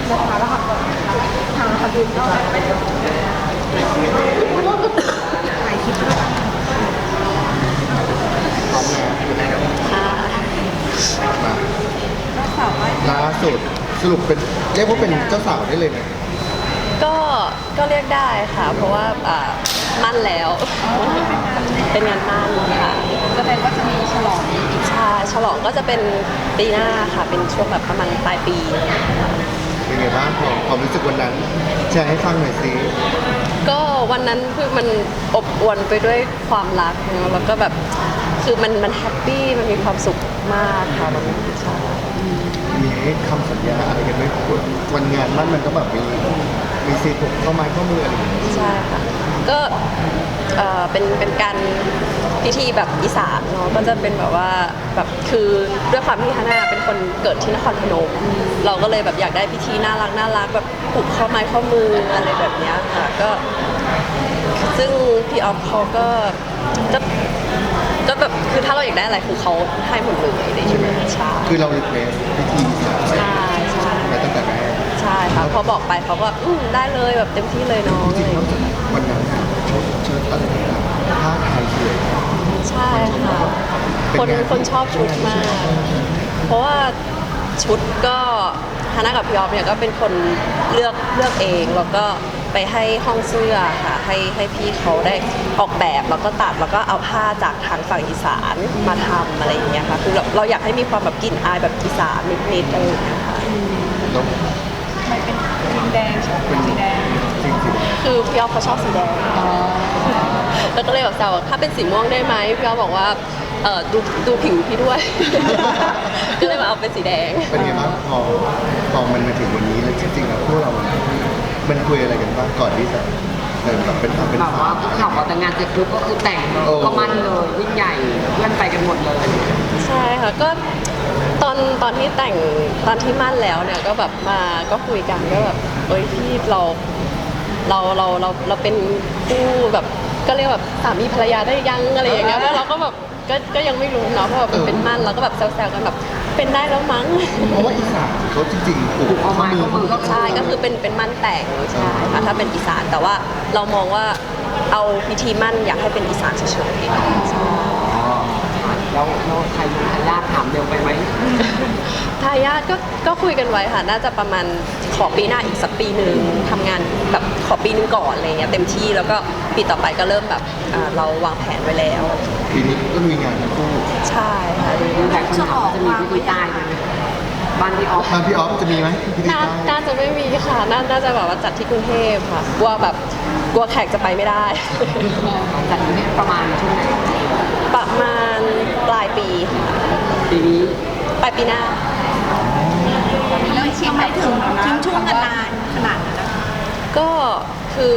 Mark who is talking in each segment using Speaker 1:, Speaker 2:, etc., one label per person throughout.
Speaker 1: นะคะแล้วค่ะทางคดีก็ถ่ายคลิปด้วยกัน
Speaker 2: พร้อมแล้วมา
Speaker 1: ก็สาวว่า
Speaker 2: ล่าสุดสรุปเป็นเรียกว่าเป็นเจ้าสาวได้เลยนะ
Speaker 3: ก็เรียกได้ค่ะ เพราะว่ามั่นแล้ว เป็นงานมั่นค่ะ
Speaker 1: แสดงว่าจะมีฉลอง
Speaker 3: ใช่ฉลองก็จะเป็นปีหน้าค่ะ เป็นช่วงแบบประมาณปลายปี
Speaker 2: เป็นไงบ้างความรู้สึกวันนั้นแชร์ให้ฟังหน่อยสิ
Speaker 3: ก็วันนั้นคือมันอบอวลไปด้วยความรักเนอะแล้วก็แบบคือมันแฮปปี้มันมีความสุขมากค่ะวันนั้นใช่
Speaker 2: มีคำสัญญาอะไรกันไหมวันงานมั่นมันก็แบบมีซีถูกเข้าไม้ข้อมืออะไรอย่างเงี้ย
Speaker 3: ใช่ค่ะก็เป็นการพิธีแบบอีสานเนาะก็จะเป็นแบบว่าแบบคือด้วยความที่ฮาน่าเป็นคนเกิดที่นครพนมเราก็เลยแบบอยากได้พิธีน่ารักแบบผูกข้อไม้ข้อมืออะไรแบบเนี้ยค่ะก็ซึ่งพี่ออฟเขาก็แบบคือถ้าเราอยากได้อะไรคือเขาให้หมดเลยใช่ไหมใช่
Speaker 2: คือเรารีเควสพิธีสาว
Speaker 3: ใช่ใช่
Speaker 2: มาตั้งแต่แรก
Speaker 3: ใช่ค่ะพอบอกไปเขาก็ได้เลยแบบเต็มที่เลยน้อง
Speaker 2: จริ
Speaker 3: เล
Speaker 2: ง
Speaker 3: ย
Speaker 2: ๆแล้ววันนั้นน่ะเชิดอะไรต่างๆผ้าไทยสวย
Speaker 3: ใช่ค่ะคนชอบชุดมาก เพราะว่าชุดก็ฮาน่ากับพี่ออฟเนี่ยก็เป็นคนเลือกเองแล้วก็ไปให้ห้องเสื้อค่ะให้พี่เขาได้ออกแบบแล้วก็ตัดแล้วก็เอาผ้าจากทางฝั่งอีสานมาทำอะไรอย่างเงี้ยค่ะคือเราอยากให้มีความแบบกลิ่นอายแบบอีสานนิดๆอะไรอย่างเงี้ยค่ะ
Speaker 2: แล้ว
Speaker 1: ไม่เป็นสีแดงใช่ไหมเป็นสีแดง
Speaker 2: จริงสิ
Speaker 3: คือพี่ออฟเขาชอบสีแดงแล้วก็เลยแบบแซวว่าถ้าเป็นสีม่วงได้ไหมพี่ออฟบอกว่าดูผิวพี่ด้วย ก็เลยมาเอาเป็นสีแดง
Speaker 2: เป็นไงบ้างพอมันมาถึงวันนี้แล้วจริงๆแล้วพวกเรามันคุยอะไรกันบ้างก่อนที่จะแบบเป็น
Speaker 4: แบบ
Speaker 2: สา
Speaker 4: ว่าว คุกเข่าพอแต่งงานเสร็จปุ๊บก็คือแต่งเลยก็มั่นเลยยิ่งใหญ่เพื่อนไปกันหมดเลย
Speaker 3: ใช่ค่ะก็ตอนที่แต่งตอนที่มั่นแล้วเนี่ยก็แบบมาก็คุยกันก็แบบเอ้ยพี่เราเป็นคู่แบบก็เรียกแบบสามีภรรยาได้ยังอะไรอย่างเงี้ยแล้วเราก็แบบก็ยังไม่รู้เนาะเพราะว่าเป็นมั่นเราก็แบบแซวๆกันแบบเป็นได้แล้วมั้ง
Speaker 2: เพราะว่าอีสานเขาจริงๆปลูกข้อมือ
Speaker 3: ใช่ก็คือเป็นมั่นแต่งใช่ค่ะถ้าเป็นอีสานแต่ว่าเรามองว่าเอาพิธีมั่นอยากให้เป็นอีสานเฉยๆใช่
Speaker 4: แล้วใครมีทายาทถามเร็วไปไหม
Speaker 3: ทายาทก็คุยกันไว้ค่ะน่าจะประมาณขอปีหน้าอีกสักปีหนึ่งทำงานแบบขอปีนึงก่อนอะไรเงี้ยเต็มที่แล้วก็ปีต่อไปก็เริ่มแบบเราวางแผนไว้แล้ว
Speaker 2: ปีนี้ก็มีงานทั้งคู่
Speaker 3: ใช่ค่ะ
Speaker 4: มีแต่คนถามว่าจะมีพิธีใต้ไหมบ้านพี่ออฟ
Speaker 2: บ้านพี่ออฟจะมีไหมพิธี
Speaker 3: น่าจะไม่มีค่ะน่าจะแบบว่าจัดที่กรุงเทพค่ะกลัวแขกจะไปไม่ได้
Speaker 4: จัดอยู่ที่ประมาณช่วงไหน
Speaker 3: ประมาณปลายปีค่ะ
Speaker 4: ปีนี้
Speaker 3: ปลายปีหน้า
Speaker 1: แล้วชิมให้ถึงทิ้งช่วงกันนานขนาดนั้นนะคะ
Speaker 3: ก็คือ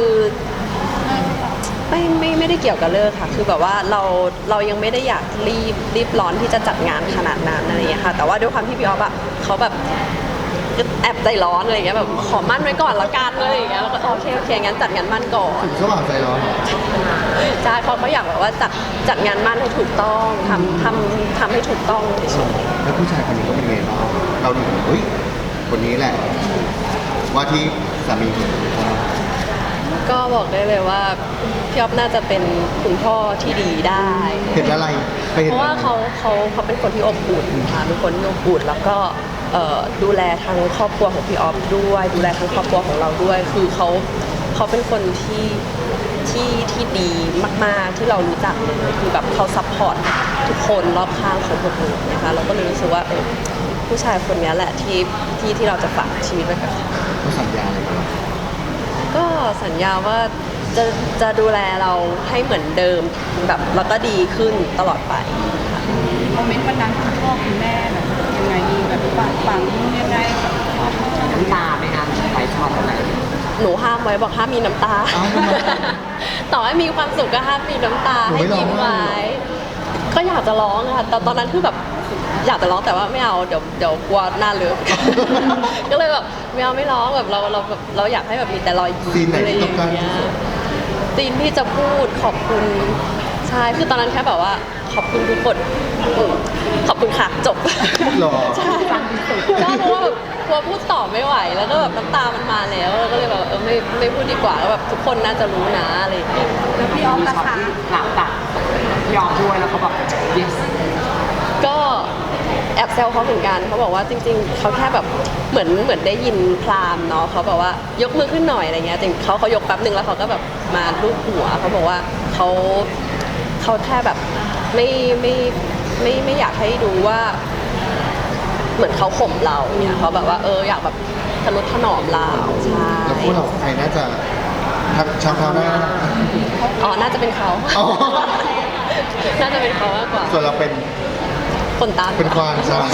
Speaker 3: ไม่ได้เกี่ยวกับเลิกค่ะ คือแบบว่าเรายังไม่ได้อยากรีบร้อนที่จะจัดงานขนาดนั้นอะไรอย่างเงี้ยค่ะ แต่ว่าด้วยความที่พี่ออฟอะเขาแบบแอบใจร้อนอะไรอย่างเงี้ยแบบขอมั่นไว้ก่อนละกันอะไรอย่างเงี้ยแล้วก็โอเคงั้นจัดงานมั่นก่อน
Speaker 2: ถึงสว่างใจร้อนเหรอ
Speaker 3: ใช่เขาอยากแบบว่าจัดงานมั่นให้ถูกต้องทำให้ถูกต้องเฉย
Speaker 2: แล้วผู้ชายคนนี้ก็เป็นไงบ้างเราดูเฮ้ยคนนี้แหละ ว่าที่สามีผม
Speaker 3: ๆก็บอกได้เลยว่าพี่ออฟน่าจะเป็นคุณพ่อที่ดีได้
Speaker 2: เห็นอะไรไปเห็น
Speaker 3: เพราะ
Speaker 2: อะไร
Speaker 3: ว่าเขาเป็นคนที่อบอุ่นค่ะเป็นคนที่อบอุ่นแล้วก็ดูแลทั้งครอบครัวของพี่ออฟด้วยดูแลทั้งครอบครัวของเราด้วย คือเขาเป็นคนที่ดีมากๆที่เรารู้จักเลยคือแบบเขาซัพพอร์ตทุกคนรอบข้างของคนอื่นนะคะเราก็เลยรู้สึกว่าผู้ชายคนนี้แหละที่เราจะฝากชีวิตไว้กับเขา
Speaker 2: เขาสัญญาอะไรกัน
Speaker 3: ก็สัญญาว่าจะดูแลเราให้เหมือนเดิมแบบแล้วก็ดีขึ้นตลอดไปค่ะ
Speaker 1: โมเมนต์วันนั้นคุณพ่อคุณแม่แบบยังไงดีแบบฝังยังไงแบบ
Speaker 4: น้ำตาไหมคะไปช็อตอะไร
Speaker 3: หนูห้ามไว้บอกห้ามมีน้ำตา
Speaker 2: อ้าวทำไม
Speaker 3: ต่อให้มีความสุขก็ห้ามมีน้ำตา
Speaker 2: หนู
Speaker 3: ให้
Speaker 2: ไม่ร้อง
Speaker 3: ยิ้ม
Speaker 2: ไห้
Speaker 3: ไว้ก็อยากจะร้องค่ะแต่ตอนนั้นคือแบบอยากจะร้องแต่ว่าไม่เอาเดี๋ยวกลัวหน้าเลือก ก็เลยแบบไม่ร้องแบบเราอยากให้แบบมีแต่รอยยิ้
Speaker 2: ซีน
Speaker 3: ม
Speaker 2: ไหน
Speaker 3: อะไรอ
Speaker 2: ที่ต้อย่าง การ
Speaker 3: เงี้
Speaker 2: ที่
Speaker 3: ย
Speaker 2: สุด
Speaker 3: ซีนที่จะพูดขอบคุณใช่คือตอนนั้นแค่แบบว่าขอบคุณทุกคนขอบคุณค่ะจบ
Speaker 2: หรอ
Speaker 3: ใช่ก็เพราะว่าแบบกลัวพูดต่อไม่ไหวแล้วก็แบบน้ำตามันมาแล้วก็เลยแบบไม่พูดดีกว่าแล้วแบบทุกคนน่าจะรู้นะอะไรอย่างเงี้ย
Speaker 1: แล้วพี่ออฟล่ะคะ
Speaker 4: หลับตัดยอมด้วยแล้วเขาบอก yes
Speaker 3: ก็แอบแซวเขาเหมือนกันเขาบอกว่าจริงๆเขาแค่แบบเหมือนได้ยินพราหมณ์เนาะเขาบอกว่ายกมือขึ้นหน่อยอะไรเงี้ยแต่เขายกแป๊บนึงแล้วเขาก็แบบมาลูบหัวเขาบอกว่าเขาแค่แบบไม่อยากให้ดูว่า เหมือนเขาข่มเราเนี่ยเขาแบบว่าอยากแบบทนุถนอมเราใช่
Speaker 2: แล้วพวกเราใครน่าจะทักชักเท้าหน้า
Speaker 3: อ๋อน่าจะเป็นเขา
Speaker 2: อ๋อ
Speaker 3: น่าจะเป็นเขามากกว่า
Speaker 2: ส่วนเราเป็น
Speaker 3: คนตาม
Speaker 2: เป็นควานใช่ไหม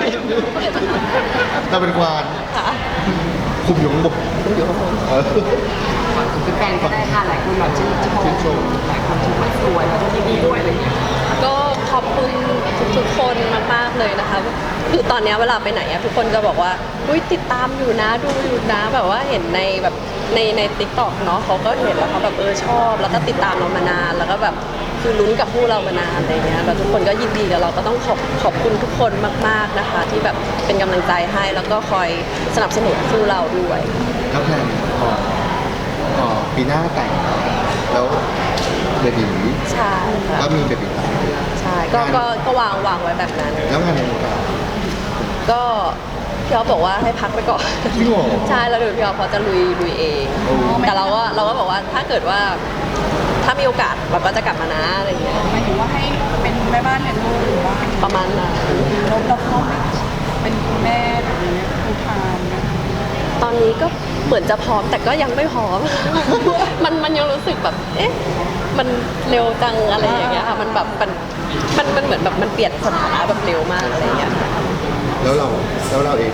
Speaker 2: เราเป็นควาน
Speaker 3: ค่ะ
Speaker 2: คุมอยู่ข้างบน
Speaker 3: อยู่ข้างบน
Speaker 2: เออ
Speaker 4: ฝากถึงแฟนๆก็ได้ค่ะหลายคนแบบชื่นชมหลายคนชมว่าสวยแล้วก็ยินดีด้วยอะไรอย่างเงี้ย
Speaker 3: ก็ขอบคุณทุกๆคนมากๆเลยนะคะคือตอนเนี้ยเวลาไปไหนอะทุกคนจะบอกว่าอุ้ยติดตามอยู่นะดูอยู่นะแบบว่าเห็นในแบบในติ๊กต็อกเนาะเขาก็เห็นแล้วเขาแบบชอบ แล้วก็ติดตามเรามานานแล้วก็แบบคือลุ้นกับคู่เรามานานอะไรเงี้ยแล้วทุกคนก็ยินดีกับเราก็ต้องขอบคุณทุกคนมากๆนะคะ ที่แบบเป็นกำลังใจให้แล้วก็คอยสนับสนุนคู่เราด้วย
Speaker 2: แล้วแพลนพอปีหน้าแต่งแล้วเบบี
Speaker 3: ใช่ค่ะ
Speaker 2: ก็มีเบบี
Speaker 3: ใช่ก็วางไว้แบบนั้น
Speaker 2: แล้วงานในวงการ
Speaker 3: ก็พี่อ๊อฟบอกว่าให้พักไปก่อน
Speaker 2: จริงเหรอ
Speaker 3: ใช่แล้วเดี๋ยวพี่อ๊อฟเขาจะลุยเอง
Speaker 2: โอ้
Speaker 3: แต่เราก็บอกว่าถ้าเกิดว่าถ้ามีโอกาสเราก็จะกลับมานะอะไรอย่างเงี้ย
Speaker 1: หมายถึงว่าให้เป็นแม่บ้านเลี้ยงลูกหรือว่า
Speaker 3: ประมาณนั้น
Speaker 1: เราพร้อมเป็นคุณแม่แบบนี้ทุกทางนะ
Speaker 3: ตอนนี้ก็เหมือนจะพร้อมแต่ก็ยังไม่พร้อม มันยังรู้สึกแบบเอ๊ะมันเร็วจังอะไรอย่างเงี้ยค่ะมันแบบมันเหมือนแบบมันเปลี่ยนสถานะแบบเร็วมากอะไรอย่างเงี้ยค่ะ
Speaker 2: แล้วเราเอง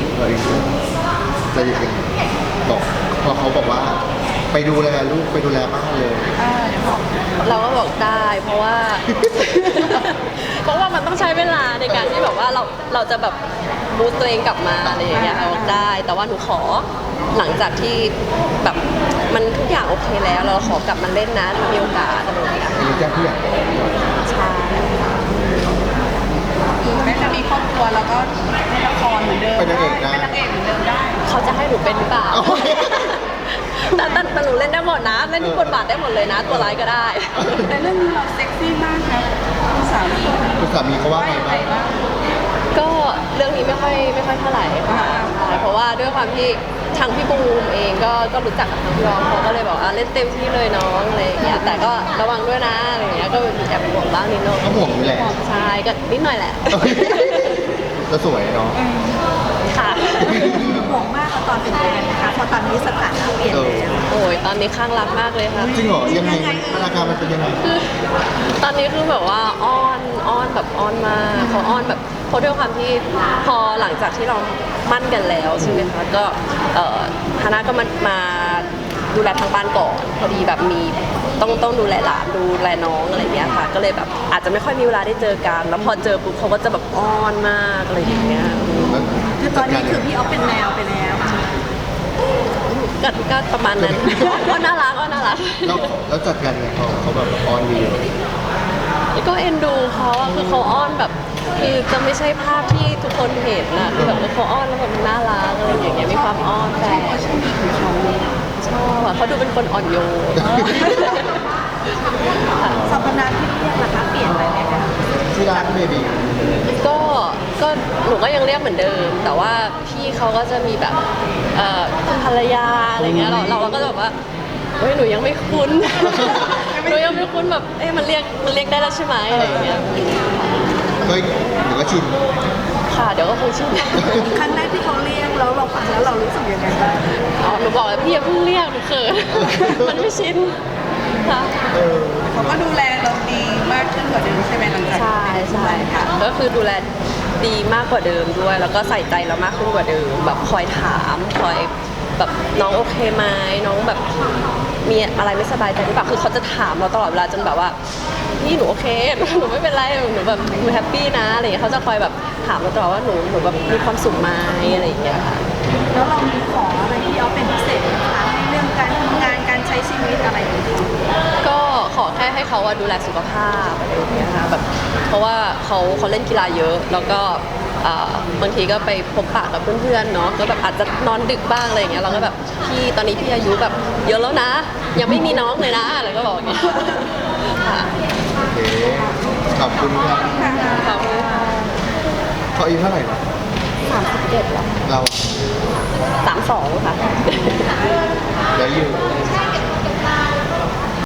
Speaker 2: จะยังไงบอกพอเขาบอกว่า ไปดูแลลูกไปดูแลบ้านเลย
Speaker 1: เดี๋ยวบอก
Speaker 3: เราก็บอกได้เพราะว่า เพราะว่ามันต้องใช้เวลาในการที่แบบว่าเราจะแบบบูสต์ตัวเองกลับมาอะไรอย่างเงี้ยบอกได้ แต่ว่าหนูขอหลังจากที่แบบมันทุกอย่างโอเคแล้วเราขอกลับมาเล่นนะถ้ามีโอกาสอะไรอย่างเงี้ย
Speaker 2: อันนี้แจ้งผู้ใหญ่
Speaker 3: ใช่
Speaker 1: แม่จะมีครอบครัวแล้วก็เล่นละครเหมือนเดิม
Speaker 2: เป็นนางเอกได้
Speaker 1: เป็นนางเอกเหมือนเดิมได้
Speaker 3: เขาจะให้หนูเป็นหรือเปล่า
Speaker 2: เอา
Speaker 3: แต่หนูเล่นได้หมดนะเล่นทุกบทบาทได้หมดเลยนะ ตัวร้ายก็ได้
Speaker 1: แต่เรื่องนี้เราเซ็กซี่มากครับคุณสามี
Speaker 2: คุณสามีเขาว่าไงบ้าง
Speaker 1: บ้าง
Speaker 3: ก็เรื่องนี้ไม่ค่อยเท่าไหร่ค่ะใช่เพราะว่าด้วยความที่ทางพี่บูมเองก็รู้จักกับทางพี่รองเขาก็เลยบอกเล่นเต็มที่เลยน้องอะไรอย่างเงี้ยแต่ก็ระวังด้วยนะอะไรอย่างเงี้ยก็แอบห่วงบ้างนิดหน่อย
Speaker 2: ก็ห่วงนี่แหละ
Speaker 3: ใช่ก็นิดหน่อยแหละ
Speaker 2: ก็สวยเนาะ
Speaker 3: ค่ะ
Speaker 1: ห่วงมากตอนเป็นแฟนนะคะเพราะตอนนี้สถานะเปลี่ยนแล้ว
Speaker 3: โอ้ยตอนนี้ข้างรักมากเลยค่ะ
Speaker 2: จริงเหรอยังไงอาการมันเป็นยังไง
Speaker 3: ตอนนี้คือแบบว่าอ้อนแบบอ้อนมากเขาอ้อนแบบเพราะด้วยความที่พอหลังจากที่เรามั่นกันแล้วใช่ไหมคะก็ฮาน่าก็มาดูแลทางบ้านก่อนพอดีแบบมีต้องดูแลหลานดูแลน้องอะไรอย่างเงี้ยค่ะก็เลยแบบอาจจะไม่ค่อยมีเวลาได้เจอกันแล้วพอเจอปุ๊บเขาก็จะแบบอ้อนมากอะไรอย่างเงี้ย
Speaker 1: คือตอนนี้คือพี่ออฟเป็นแมวไปแล้ว
Speaker 3: ก็ประมาณนั้น ก็น่ารักก็น่ารัก
Speaker 2: แล้วจัดการไงเขาแบบออนดี
Speaker 3: ก็เอ็นดูเขาอะคือเขาอ้อนแบบคือจะไม่ใช่ภาพที่ทุกคนเห็นนะคือแบบเขาอ้อนแล้วแบบน่ารักอะไรอย่างเงี้ยมีความอ้อนแต่ชอบอะเขาดูเป็นคนอ่อนโยน
Speaker 1: สรรพนามที่เรียกนะคะเปลี่ยนไปไหมคะ
Speaker 2: ที่ร้านเบบี
Speaker 3: ก็หนูก็ยังเรียกเหมือนเดิม แต่ว่าพี่เขาก็จะมีแบบคุณภรรยาอะไรเงี้ยเราก็จะแบบว่าเฮ้ยหนูยังไม่คุ้น หนูยังไม่คุ้นแบบมันเรียกได้แล้วใช่ไหมอะไรอย่างเงี้ย
Speaker 2: ก็หรือว่าชิน
Speaker 3: ค่ะเดี๋ยวก็คงชิน
Speaker 1: ครั้งแรกที่เขาเรียกแล้วเราฟังแล้วเรารู้สึกยังไงบ้าง
Speaker 3: อ๋อหนูบอกแล้วพี่อย่าเพิ่งเรียกหนูเขิน มันไม่ชินค่ะ
Speaker 1: เขาก็ดูแลเราดีมากขึ้นกว่าเดิมใช่ไหมหลังจาก
Speaker 3: ใช่ค่ะก็คือดูแลดีมากกว่าเดิมด้วย แล้วก็ใส่ใจเรามากขึ้นกว่าเดิมแบบคอยถามคอยแบบน้องโอเคไหมน้องแบบมีอะไรไม่สบายใจหรือเปล่าคือเขาจะถามเราตลอดเวลาจนแบบว่าพี่หนูโอเค หนูไม่เป็นไรหนูแบบหนูแฮปปี้นะอะไรอย่างเงี้ยเขาจะคอยแบบถามเราตลอดว่าหนูแบบมีความสุขไหมอะไรอย่างเงี้ยค่ะ
Speaker 1: แล้วเรามีขออะไรที่ออฟเป็นพิเศษไหมคะในเรื่องการทำงานการใช้ชีวิตอะไรอย่างเงี้ย
Speaker 3: ก็ขอแค่ให้เขาอะดูแลสุขภาพอะไรอย่างเงี้ยค่ะแบบเพราะว่าเขาเล่นกีฬาเยอะแล้วก็บางทีก็ไปพบปะกับเพื่อนๆเนาะก็แบบอาจจะนอนดึกบ้างอะไรอย่างเงี้ยเราก็แบบพี่ตอนนี้พี่อายุแบบเยอะแล้วนะ ยังไม่มีน้องเลยนะอะไรก็บอกอย่างเงี้ยค่ะ
Speaker 2: โอเคขอบคุณครับ
Speaker 3: ขอบคุณค่ะ
Speaker 2: เขาอายุเท่าไหร่นะ
Speaker 3: 31แล้ว
Speaker 2: เรา
Speaker 3: 32ค่ะ